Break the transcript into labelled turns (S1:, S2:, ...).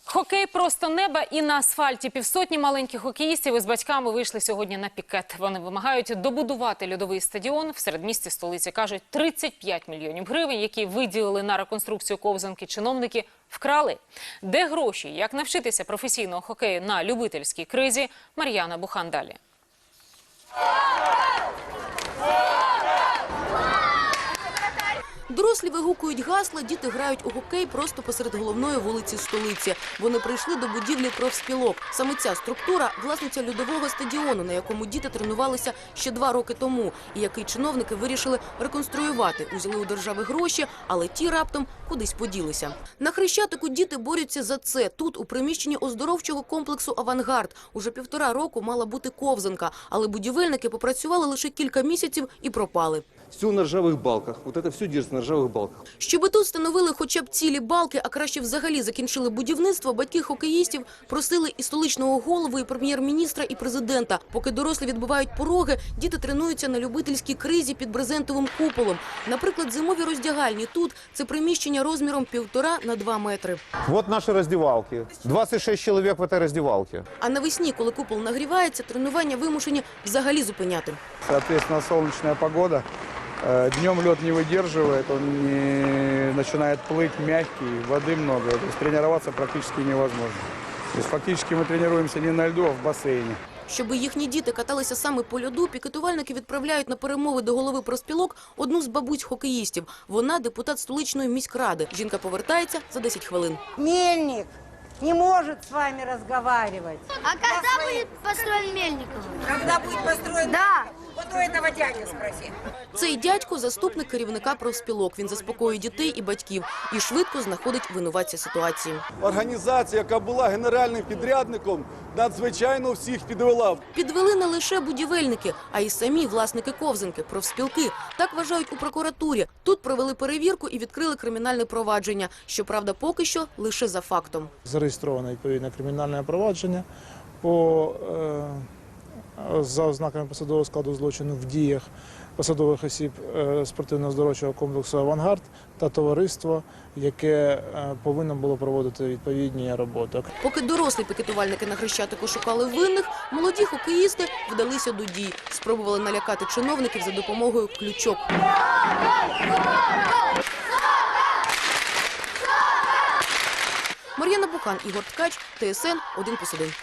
S1: Хокей просто неба і на асфальті. Півсотні маленьких хокеїстів із батьками вийшли сьогодні на пікет. Вони вимагають добудувати льодовий стадіон в середмісті столиці. Кажуть, 35 мільйонів гривень, які виділили на реконструкцію ковзанки, чиновники вкрали. Де гроші? Як навчитися професійного хокею на любительській кризі? Мар'яна Бухан далі.
S2: Дорослі вигукують гасла, діти грають у хокей просто посеред головної вулиці столиці. Вони прийшли до будівлі профспілок. Саме ця структура – власниця льодового стадіону, на якому діти тренувалися ще 2 роки тому, і який чиновники вирішили реконструювати. Узяли у держави гроші, але ті раптом кудись поділися. На Хрещатику діти борються за це. Тут, у приміщенні оздоровчого комплексу «Авангард», уже 1,5 року мала бути ковзанка, але будівельники попрацювали лише кілька місяців і пропали.
S3: Все на ржавых балках. Вот это все держится на ржавых балках.
S2: Щоби тут встановили хоча б цілі балки, а краще взагалі закінчили будівництво, батьки хокеїстів просили і столичного голову, і прем'єр-міністра, і президента. Поки дорослі відбивають пороги, діти тренуються на любительській кризі під брезентовим куполом. Наприклад, зимові роздягальні тут – це приміщення розміром 1,5 на 2 метри.
S4: Вот наши раздевалки. 26 человек в этой раздевалке.
S2: А навесні, коли купол нагрівається, тренування вимушені взагалі зупиняти.
S5: Соответственно, солнечная погода. Днем лед не выдерживает, он не начинает плыть мягкий, воды много. То есть тренироваться практически невозможно. То есть фактически мы тренируемся не на льду, а в бассейне.
S2: Щоби їхні діти каталися саме по льоду, пікетувальники відправляють на перемови до голови профспілок одну з бабусь-хокеїстів. Вона – депутат столичної міськради. Жінка повертається за 10 хвилин.
S6: Мельник не может с вами разговаривать.
S7: А когда будет построен Мельников?
S6: Когда будет построен?
S7: Да.
S6: Вот у этого дядю спроси.
S2: Цей дядько – заступник керівника профспілок. Він заспокоює дітей і батьків і швидко знаходить винуватця ситуації.
S3: Організація, яка була генеральним підрядником, надзвичайно всіх підвела.
S2: Підвели не лише будівельники, а й самі власники ковзанки, профспілки. Так вважають у прокуратурі. Тут провели перевірку і відкрили кримінальне провадження. Щоправда, поки що лише за фактом.
S5: Зареєстровано відповідне кримінальне провадження за ознаками посадового складу злочину в діях посадових осіб спортивно-оздоровчого комплексу «Авангард» та товариство, яке повинно було проводити відповідні роботи.
S2: Поки дорослі пікетувальники на Хрещатику шукали винних, молоді хокеїсти вдалися до дій. Спробували налякати чиновників за допомогою ключок. Мар'яна Бухан, Ігор Ткач, ТСН 1+1.